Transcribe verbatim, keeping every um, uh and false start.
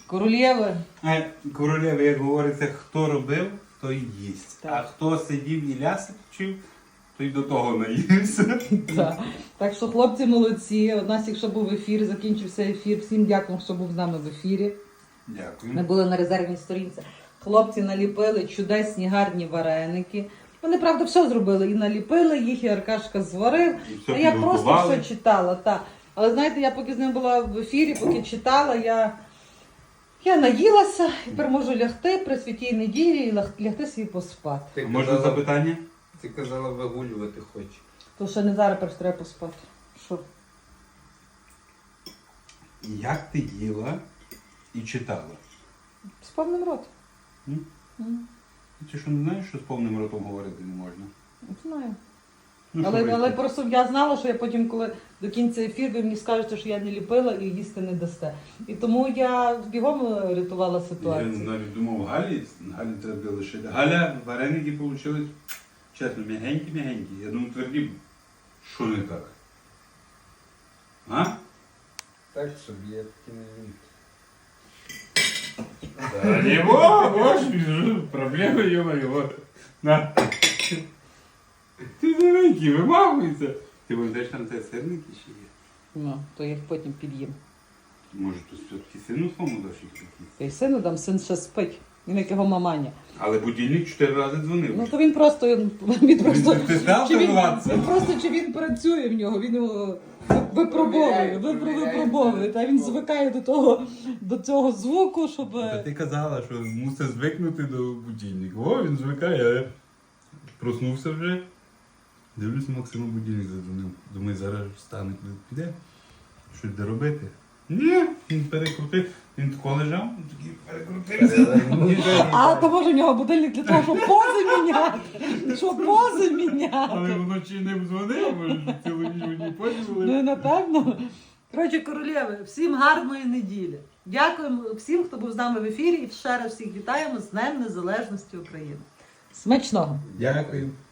Королєви. А королева, як говориться, хто робив, той їсть. Так. А хто сидів і ляси вчив, той до того наївся. Так. Так що хлопці молодці. У нас, якщо був ефір, закінчився ефір. Всім дякую, що був з нами в ефірі. Дякую. Ми були на резервній сторінці. Хлопці наліпили чудесні, гарні вареники. Вони, правда, все зробили. І наліпили їх, і Аркашка зварив. І все А я просто підготували. все читала. Та. Але знаєте, я поки з ним була в ефірі, поки читала, я, я наїлася і тепер можу лягти при святій неділі і ляг- лягти собі поспати. А Ти можна казала, запитання? ти казала, вигулювати хочеш. То ще не зараз перш треба поспати. Що? Як ти їла і читала? З повним ротом. М? М, Ти що не знаєш, що з повним ротом говорити не можна? Знаю. Ну, що Але, ви? але просто я знала, що я потім, коли до кінця ефіру, ви мені скажете, що я не ліпила і їсти не дасте. І тому я бігом рятувала Я ситуацію. навіть думав, Галі, Галі треба лишити. Галя, вареники вийшли, чесно, м'ягенькі-м'ягенькі. Я думаю, тверді, що не так? А? Так собі, я таки не вмію. Да не бо, проблема, ё-моё. На. Ти маленький, вимахуйся. Ти пам'ятаєш, там це сирники ще є? Ну, то я їх потім під'їм. Може, тут все-таки сину своєму даш їх якісь? Я й сину дам, син ще спить. Він як його маманя. Але будильник чотири рази дзвонив. Ну то він просто він просто Ти знав чи він, тренуватися? він просто чи він працює в нього, він його випробовує, випро- випробовує. Та він звикає до того, до цього звуку, щоб. Та ти казала, що мусить звикнути до будильника. О, він звикає, а проснувся вже. Дивлюсь, Максиму будильник задзвонив. Думаю, зараз встане, коли піде. Щось де робити. Ні, він перекрутив. Він тако лежав, він такий перекрутився. А то може в нього будильник для того, щоб пози міняти. Щоб пози Але міняти. вночі не дзвонив, може, цілу ніч мені подзвонили. Ну, напевно. Коротше, королєви, всім гарної неділі. Дякуємо всім, хто був з нами в ефірі. І ще раз всіх вітаємо з Днем Незалежності України. Смачного! Дякую.